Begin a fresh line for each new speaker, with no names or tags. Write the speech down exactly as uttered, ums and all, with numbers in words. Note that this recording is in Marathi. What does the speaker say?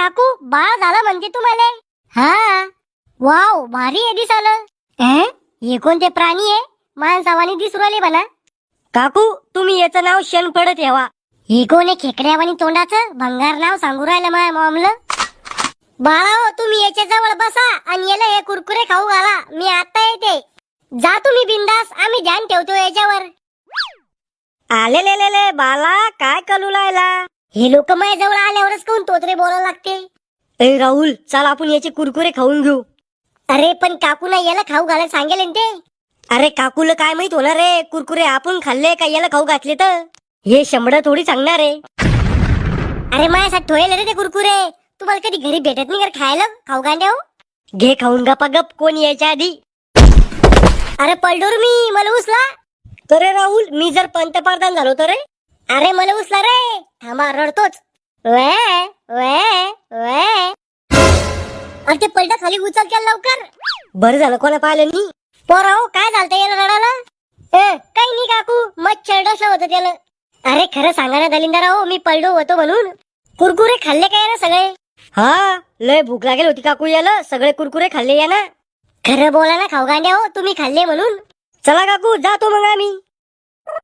काकू बाळ झालं म्हणजे तुम्हाला? हा. वाव, भारी आहे दिसालं. अं? हे कोणते प्राणी आहे? माणसावानी दिसू राहिले मला. काकू तुम्ही याचं नाव शेणफळ ठेवा. हे कोण आहे खेकड्यावानी तोंडाचं भंगार नाव सांगू राहिलं माझ्या मॉमला. बाळाओ तुम्ही याच्या जवळ बसा आणि याला हे कुरकुरे खाऊ घाला. मी आता येते. जा तुम्ही बिंदास, आम्ही ध्यान ठेवतो याच्यावर. आले ले ले ले बाला, काय कलू लायला? हे लोक माझ्या जवळ आल्यावरच कोण तोत्रे बोलायला लागते. ए राहुल, चल आपण याचे कुरकुरे खाऊन घेऊ. अरे पण काकूला याला खाऊ घालायला सांगेल ना ते. अरे काकूला काय माहित होणार रे, कुरकुरे आपण खाल्ले का याला खाऊ घातले तर? हे शंभर थोडी सांगणार आहे. अरे माझ्यासाठी ठोयले रे ते कुरकुरे. तुम्हाला कधी घरी भेटत नाही का खायला खाऊ गांड्या? घे खाऊन गपा गप, कोण यायच्या आधी. अरे पलडोर मी, मला उचला. अरे राहुल, मी जर पंतप्रधान झालो तर रे. अरे मला उचला रे. थांबा, रडतोच. वे वे वे. अरे ते पलटा खाली उचल केला लवकर. बरं झालं कोणा पाहिलं नी. पोराओ काय झालं याला रडायला? ए काही नाही काकू, मच्छर डसलं होतं त्याला. अरे खरं सांगा ना दलिंदराओ, मी पलडो होतो म्हणून. कुरकुरे खाल्ले काय ना सगळे? हा, लय भूक लागेल होती काकू याला, सगळे कुरकुरे खाल्ले या ना. खरं बोला ना खाऊ गांड्या हो, तुम्ही खाल्ले म्हणून. चला काकू जातो मग आम्ही.